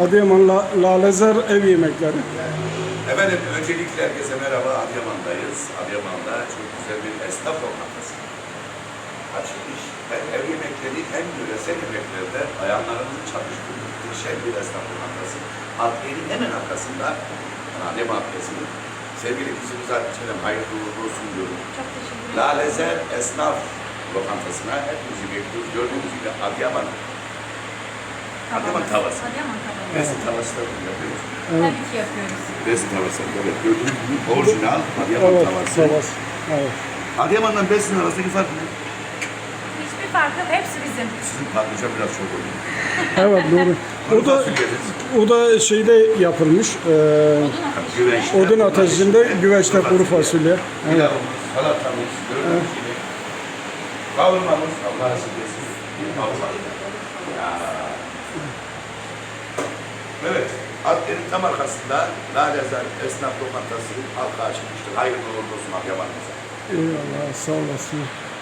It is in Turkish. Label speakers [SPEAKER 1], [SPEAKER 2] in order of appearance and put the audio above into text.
[SPEAKER 1] Adıyaman Lalezer ev yemekleri.
[SPEAKER 2] Efendim öncelikle herkese merhaba. Adıyaman'dayız. Adıyaman'da çok güzel bir esnaf lokantası açılmış. Hem ev yemekleri hem yöresel yemeklerde bayanlarımızın çalıştığı muhteşem bir esnaf lokantası. Adliyenin hemen arkasında Adıyaman Adliyesi'nin sevgili kızımız Hatice'nin hayırlı uğurlu olsun diyorum.
[SPEAKER 3] Çok teşekkür ederim.
[SPEAKER 2] Lalezer Esnaf Lokantası'na hepimizi bekliyoruz. Gördüğünüz gibi Adıyaman tavası.
[SPEAKER 3] Adıyaman tavası.
[SPEAKER 2] Besin tavası da bunu yapıyoruz.
[SPEAKER 3] Tabii ki yapıyoruz.
[SPEAKER 2] Besin tavası. Evet, gördüğünüz gibi orijinal Adıyaman
[SPEAKER 1] Evet,
[SPEAKER 2] tavası.
[SPEAKER 1] tavası. Evet.
[SPEAKER 2] Adıyaman'dan Besin arasındaki fark ne?
[SPEAKER 3] Hiçbir fark yok. Hepsi bizim.
[SPEAKER 2] Sizin patlıcan biraz çok oluyor.
[SPEAKER 1] Evet doğru. O da şeyde yapılmış.
[SPEAKER 2] Güveçte.
[SPEAKER 1] Odun ateşinde güveçte kuru fasulye. Evet.
[SPEAKER 2] Pilavımız, salatamız, gördüğünüz gibi. Kavurmamız, Allah razı olsun. Bir kavurma. Ya. Evet. Adliyenin tam arkasında Lalezer Esnaf Lokantası halka açılmıştır. Hayırlı uğurlu olsun Adıyaman'ımıza.
[SPEAKER 1] Eyvallah, sağ olasın.